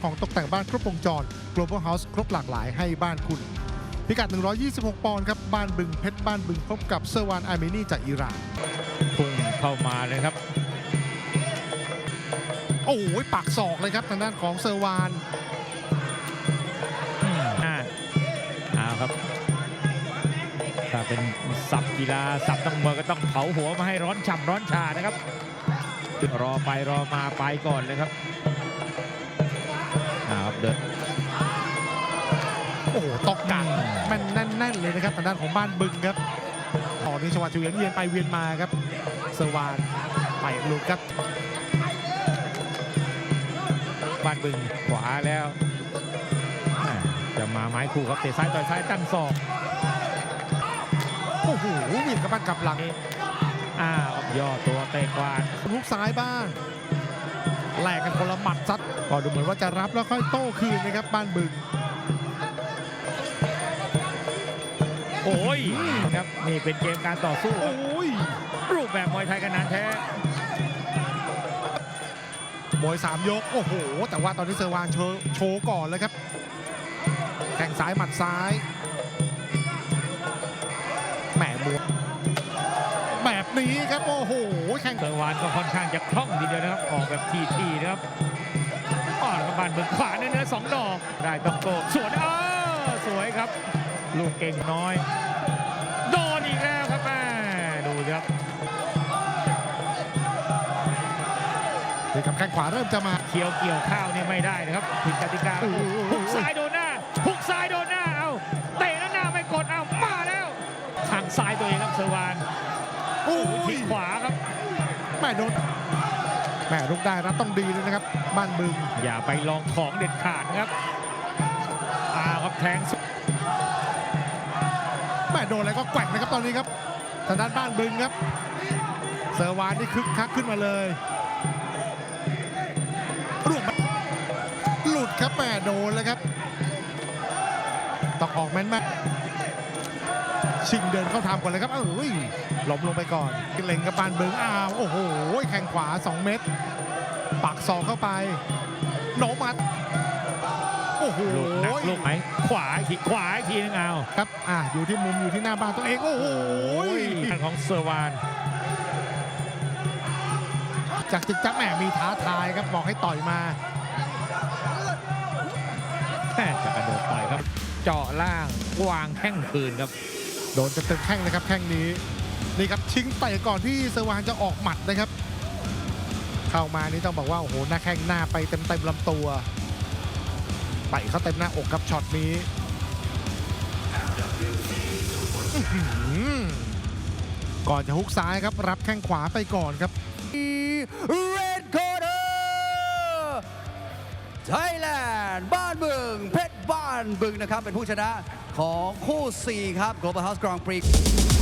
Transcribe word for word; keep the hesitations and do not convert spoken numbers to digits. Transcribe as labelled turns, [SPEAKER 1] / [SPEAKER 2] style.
[SPEAKER 1] ของตกแต่งบ้านครบวงจร Global House ครบหลากหลายให้บ้านคุณพิกัดหนึ่งร้อยยี่สิบหกปอนด์ครับบ้านบึงเพชรบ้านบึงพบกับเซอร์วานอาร์เมนีจากอิหร่าน
[SPEAKER 2] พุ่งเข้ามาเลยครับ
[SPEAKER 1] โอ้โหปักศอกเลยครับทางด้านของเซอร์วาน
[SPEAKER 2] อ่าเอาครับถ้าเป็นสับกีฬาสับต้องมวยก็ต้องเผาหัวมาให้ร้อนฉ่ำร้อนชานะครับรอไปรอมาไปก่อนเลยครับเอาครับเดิน
[SPEAKER 1] โอ้โหตอกกังมันแน่นๆเลยนะครับทางด้านของบ้านบึงครับตอนนี้จังหวะเวียนเวียนไปเวียนมาครับเซอร์วานไปหลุดครับ
[SPEAKER 2] บ้านบึงขวาแล้วจะมาไม้คู่ครับเตะซ้ายต่อยซ้ายตั้งศอก
[SPEAKER 1] โอ้โหวิ่งกับบ้านกับหลัง
[SPEAKER 2] อ้าวย่อตัวเตะกวาด
[SPEAKER 1] ลูกซ้ายบ้างแลกกันคนละหมัดซัดก็ดูเหมือนว่าจะรับแล้วค่อยโต้คืนนะครับบ้านบึง
[SPEAKER 2] โอ้ยครับนี่เป็นเกมการต่อสู้
[SPEAKER 1] โอ้ย
[SPEAKER 2] รูปแบบมวยไทยกันนานแท้
[SPEAKER 1] มวยสามยกโอ้โหแต่ว่าตอนนี้เซอร์วานโชว์ก่อนเลยครับแข่งซ้ายหมัดซ้ายแหมมวยแบบนี้ครับโอ้โหแข่ง
[SPEAKER 2] เซอร์วานก็ค่อนข้างจะคล่องทีเดียวนะครับออกแบบทีๆนะครับอ่อนกับบ้านบึงขวาเนื้อสองดอกได้ต้องโกสวนเออสวยครับลูกเก่งน้อยโดนอีกแล้วครับแม่ดูครับ
[SPEAKER 1] นี่ครับแข้งขวาเริ่มจะมา
[SPEAKER 2] เคียวเกี่ยวข้าวเนี่ยไม่ได้นะครับผิดกติกาหุกซ้ายโดนหน้าหุกซ้ายโดนหน้าเอาเตะแล้วหน้าไม่กดเอามาแล้วทางซ้ายตัวเองครับเซอร์วาน
[SPEAKER 1] โอ้
[SPEAKER 2] ยขวาครับ
[SPEAKER 1] แม่โดนแม่ลุกได้รับต้องดีเลยนะครับบ้านบึง
[SPEAKER 2] อย่าไปลองของเด็ดขาดนะครับอาครับแทง
[SPEAKER 1] แม่โดนอะไรก็แกว่งนะครับตอนนี้ครับทางด้านบ้านบึงครับเซอร์วานนี่คึกคักขึ้นมาเลยร่วงหลุดครับแม่โดนแล้วครับต้องออกแม่นแม่ชิงเดินเข้าทำก่อนเลยครับเอ้ยหลบลงไปก่อนเล็งกับบ้านบึงอ้าวโอ้โหแข้งขวาสองเม็ดปักศอกเข้าไปโนมัดโอ้โห
[SPEAKER 2] หนักลูกไหมขวาอีกขวาอีกทีนึงเอา
[SPEAKER 1] ครับอ่ะอยู่ที่มุมอยู่ที่หน้าบ้านตัวเองโอ้โห
[SPEAKER 2] ของเซอร์วาน
[SPEAKER 1] จากจิกจักแหมมีท้าทายครับบอกให้ต่อยมา
[SPEAKER 2] แค่จะกระโดดต่อยครับเจาะล่างวางแข้งคืนครับ
[SPEAKER 1] โดนเต็มแข้งเลยครับแข้งนี้นี่ครับชิงเตะก่อนที่เซอร์วานจะออกหมัดนะครับเข้ามานี่ต้องบอกว่าโอ้โหหน้าแข้งหน้าไปเต็มเต็มลำตัวไปเข้าเต็มหน้าอกครับช็อตนี้ก่อนจะฮุกซ้ายครับรับแข้งขวาไปก่อนครับ
[SPEAKER 3] Red Corner Thailand บ้านบึงเพชรบ้านบึงนะครับเป็นผู้ชนะของคู่สี่ครับ Global House Grand Prix